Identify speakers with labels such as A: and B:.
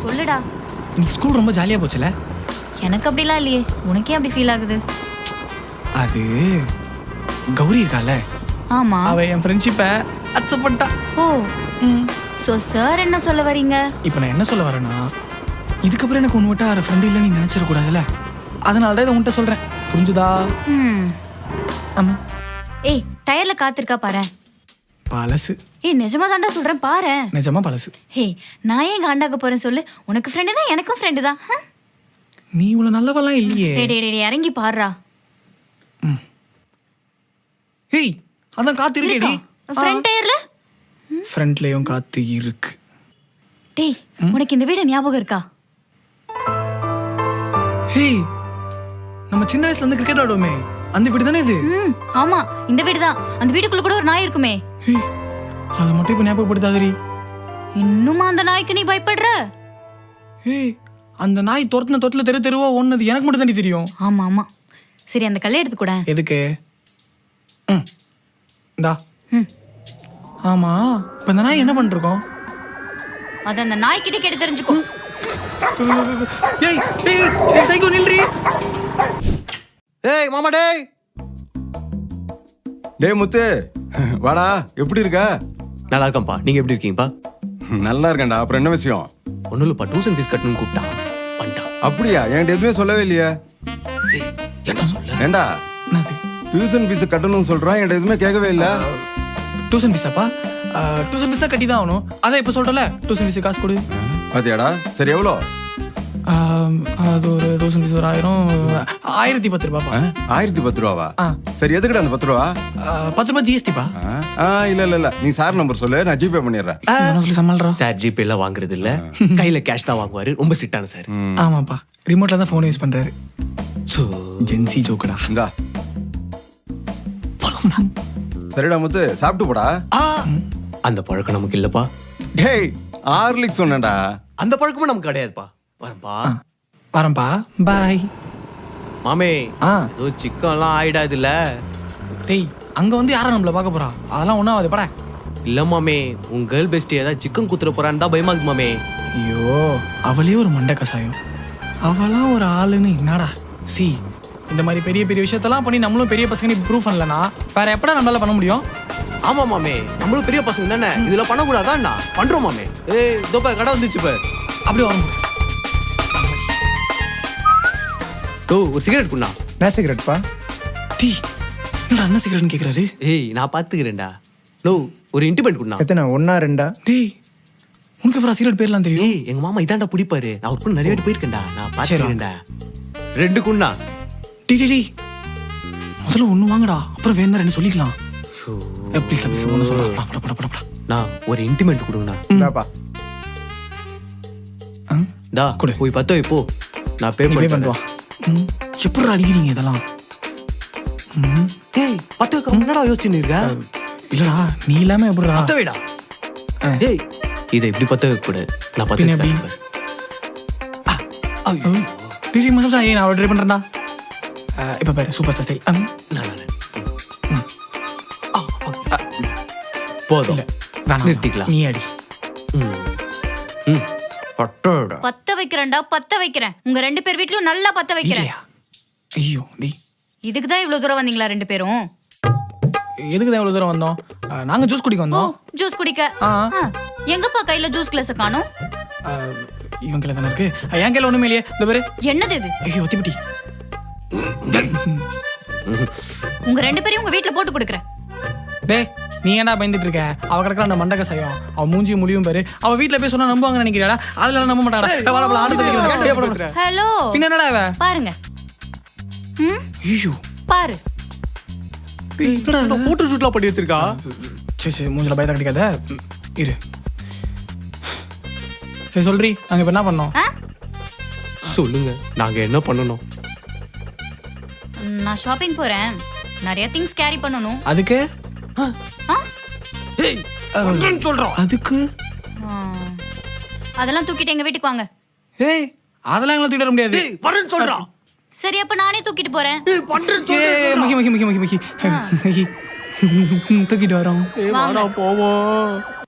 A: சொல்லுடா.
B: இன்னைக்கு ஸ்கூல் ரொம்ப ஜாலியா போச்சுல?
A: எனக்கு அப்படிலாம் இல்லையே, உனக்கே அப்படி ஃபீல் ஆகுது?
B: அது கௌரி இருக்கால,
A: ஆமா.
B: அவ என் ஃப்ரெண்ட்ஷிப்பை அக்செப்ட் பண்ணிட்டா.
A: ஓ, ஸோ சார் என்ன சொல்ல வரீங்க?
B: இப்போ நான் என்ன சொல்ல வரேன்னா, இதுக்கப்புறம் எனக்கு ஒன்று விட்டா வேற ஃப்ரெண்டு இல்லைன்னு நீ நினைச்சிடக்கூடாதுல்ல, அதனால தான் இதை உன்கிட்ட சொல்றேன். புரிஞ்சுதா? ஆமா.
A: ஏய், டயர்ல காத்திருக்கா பாரு.
B: பழசு.
A: ஏய், நிஜமா தாண்டா சொல்றேன் பாரு.
B: நிஜமா பழசு.
A: ஹே, நான் ஏன் காண்டாக்க போறேன் சொல்லு? உனக்கு ஃப்ரெண்டுனா எனக்கும் ஃப்ரெண்டு தான்.
B: நீ இவ்வளவு நல்லவெல்லாம் இல்லையே.
A: டேய் இறங்கி பாருடா.
B: ஏய், அதான் காத்து இருக்கேடி.
A: ஃப்ரண்ட் டயர்ல?
B: ஃப்ரண்ட்லயும் காத்து இருக்கு.
A: டேய், உனக்கு இந்த வீடு ஞாபகம் இருக்கா?
B: ஹேய், நம்ம சின்ன வயசுல இருந்து கிரிக்கெட் ஆடுவோமே, அந்த வீடு தானே இது?
A: ஆமா, இந்த வீடு தான். அந்த வீட்டுக்குள்ள கூட ஒரு நாய் இருக்குமே.
B: ஏய், அத மட்டும் இப்ப ஞாபகப்படுத்தாதடி.
A: இன்னுமா அந்த நாய்க்கு நீ பயப்படுற?
B: ஏய், அந்த நாய் தொரத்துல தெருவா ஓடுனது எனக்கு மட்டும் தானே தெரியும்.
A: ஆமா ஆமா. சரி, அந்த கல்லை எடுத்து கூட.
B: எதுக்கு? இந்தா. ஆமா, இப்ப இந்த நாய் என்ன பண்ணிருக்கோம்?
A: அத அந்த நாய் கிட்ட கேட்டு தெரிஞ்சுக்கோ.
B: ஏய் ஏய் ஏய், சைக்கோ நில்றி.
C: ஏய் மாமா, டேய் முத்து, வாடா. எப்படி இருக்க?
D: நல்லா இருக்கேன்ப்பா. நீங்க எப்படி இருக்கீங்கப்பா?
C: நல்லா இருக்கேன்டா. அப்புறம் என்ன விஷயம்?
D: ஒன்னும் இல்லப்பா, டியூஷன் ஃபீஸ் கட்டணும்னு கூப்பிட்டான். பண்ணிட்டான்.
C: அப்படியா? என்கிட்ட எதுவுமே சொல்லவே இல்லையே.
D: என்ன சொல்ல?
C: ஏண்டா
B: என்னது?
C: டியூஷன் ஃபீஸ் கட்டணும்னு சொல்றான், என்கிட்ட எதுவுமே கேட்கவே இல்லை.
B: டியூஷன் ஃபீஸாப்பா? டியூஷன் ஃபீஸ் தான் கட்டி தான் ஆகணும். அதான் இப்போ சொல்றல, டியூஷன் ஃபீஸ் காசு கொடு.
C: பாத்தியாடா? சரி, எவ்வளோ?
B: அது ஒரு டியூஷன் ஃபீஸ் ஒரு 1010 ரூபாப்பா.
C: 1010 ரூபாவா? சரி, எதுக்குடா அந்த 10 ரூபா?
B: 10 ரூபாய் ஜிஎஸ்டிப்பா.
C: இல்ல நீ சார் நம்பர் சொல்லு, நான் ஜிபே பண்ணிடுறேன்.
B: சொல்லி சமாளிறோம்.
D: சார் ஜிபே எல்லாம் வாங்குறது இல்ல, கையில கேஷ் தான் வாங்குவாரு. ரொம்ப ஸ்ட்ரிக்டான சார்.
B: ஆமாப்பா, ரிமோட்ல தான் போன் யூஸ் பண்றாரு. சோ ஜென்சி ஜோக்கடா.
C: இந்தா. சரிடா முத்து, சாப்பிட்டு போடா.
D: அந்த பழக்கம் நமக்கு இல்லப்பா.
C: டேய், ஹார்லிக்ஸ் சொன்னேன்டா.
D: அந்த பழக்கமும் நமக்கு கிடையாதுப்பா. வரப்பா.
B: வரேன்ப்பா, பாய்.
D: மாமே, ஏதோ சிக்கன்லாம் ஆயிடாது இல்ல?
B: டேய், அங்க வந்து யாரா நம்மள பார்க்க போறா? அதெல்லாம் ஒன்றும் ஆகுது படா.
D: இல்ல மாமே, உங்க கேர்ள் பெஸ்ட் ஏதாவது சிக்கன் குத்துற போறான்னு தான் பயமா இருக்கு மாமே.
B: ஐயோ, அவளே ஒரு மண்டை கசாயம். அவளாம் ஒரு ஆளுன்னு என்னடா? சி, இந்த மாதிரி பெரிய பெரிய விஷயத்தெல்லாம் பண்ணி நம்மளும் பெரிய பசங்க ப்ரூவ் பண்ணலனா வேற எப்படா நம்மளால பண்ண முடியும்?
D: ஆமா மாமே, நம்மளும் பெரிய பசங்க தானே, இதெல்லாம் பண்ணக்கூடாதான்டா. பண்றோம் மாமே. ஏய், இதோ கடை வந்துச்சு பாரு.
B: அப்படியே வரும்.
D: ஓ, ஒரு சிகரெட் குண்ணா.
B: என்ன சிகரெட்ப்பா? டீ, என்னடா அண்ணன் சிகரெட்னு கேக்குறாரு?
D: ஏய், நான் பாத்துக்கிறேன்டா. நோ, ஒரு இன்டிமெண்ட் குண்ணா.
E: எத்தனை? 1 2?
B: டேய், உனக்கு அப்புறம் சிகரெட் பேர்லாம் தெரியும்?
D: ஏய், எங்க மாமா இதாண்டா பிடிப்பாரு. நான் ஒரு நிறைய வாட்டி போயிருக்கேன்டா. நான் பாத்துக்கிறேன்டா. 2 குண்ணா.
B: டி முதல்ல ஒண்ணு வாங்கடா, அப்புறம் வேணா 2 சொல்லிக்கலாம். ப்ளீஸ் ப்ளீஸ் ஒண்ணு சொல்றா.
D: நான் ஒரு இன்டிமெண்ட் கொடுங்கண்ணா.
E: இந்தாப்பா.
D: டா, போய் 10 வை போ. நான் பே
B: பண்ணுவா. எப்படிடா அடிக்கிறீங்க இதெல்லாம்?
D: ஏய், 10 வைக்க என்னடா யோசிச்சுன்னு இருக்க?
B: இல்லடா, நீ இல்லாம எப்படிடா?
D: 10 வைடா. ஏய், இதை இப்படி 10 வைக்க கூடாது. நான் 10 வைக்கிறேன்.
B: டிடி மசாலா ஏய், நான் ட்ரை பண்றேன்டா. இப்ப பாரு, சூப்பர் ஸ்டைல்.
D: போதும்,
B: வேணாம்,
D: நிறுத்திக்கலாம்.
B: நீ அடி.
A: பத்த வைக்கிறேன்டா, பத்த வைக்கிறேன். உங்க 2 பேர் வீட்லயும் நல்லா பத்த வைக்கிறேன்.
B: ஐயோ, டேய்,
A: இதுக்கு தான் இவ்வளவு தூரம் வந்தீங்களா 2 பேரும்?
B: எதுக்கு தான் இவ்வளவு தூரம் வந்தோம்? நாங்க ஜூஸ் குடிக்க வந்தோம்.
A: ஜூஸ் குடிக்க? எங்கப்பா கையில ஜூஸ் கிளாஸ் காணோம்?
B: இவன் கையில தானே இருக்கு. என் கையில ஒண்ணுமே இல்லையே. இந்த பாரு.
A: என்னது இது?
B: ஐயோ, திப்பிட்டி.
A: உங்க 2 பேரையும் உங்க வீட்ல போட்டு கொடுக்குறேன்.
B: டேய், நீ ஏன்டா பயந்துட்டு இருக்க? அவ கிடக்கல அந்த மண்டக சயம். அவ மூஞ்சி முடியும் பாரு. அவ வீட்ல போய் சொன்னா நம்புவாங்க நினைக்கிறாடா? அதெல்லாம் நம்ப மாட்டாடா. வரப்பல ஆனந்த.
A: ஹலோ,
B: பின்ன என்னடா இவ?
A: பாருங்க.
B: ஐயோ,
A: பாரு.
D: என்னடா போட்டோ ஷூட்லாம் பண்ணி வச்சிருக்கா?
B: சரி மூஞ்சில பயத்தை கட்டிக்காத. இரு. சரி சொல்றி, நாங்க இப்ப என்ன பண்ணோம்?
D: சொல்லுங்க, நாங்க என்ன பண்ணணும்?
A: நான் ஷாப்பிங் போறேன். நிறைய திங்ஸ் கேரி பண்ணனும்.
B: அதுக்கு?
D: ஏய், பண்றேன்னு சொல்றோம்.
B: அதுக்கு?
A: அதெல்லாம் தூக்கிட்டு எங்க வீட்டுக்கு வாங்க.
B: ஏய், அதெல்லாம் எங்களை தூக்கிட்டு வர முடியாது.
D: ஏய், பண்றேன்னு சொல்றான்.
A: சரி, அப்ப நானே தூக்கிட்டு போறேன்.
D: ஏய், பண்றேன்னு சொல்றேன்.
B: ஏய், மகி தூக்கிட்டு வரோம்.
D: வாடா போவோம்.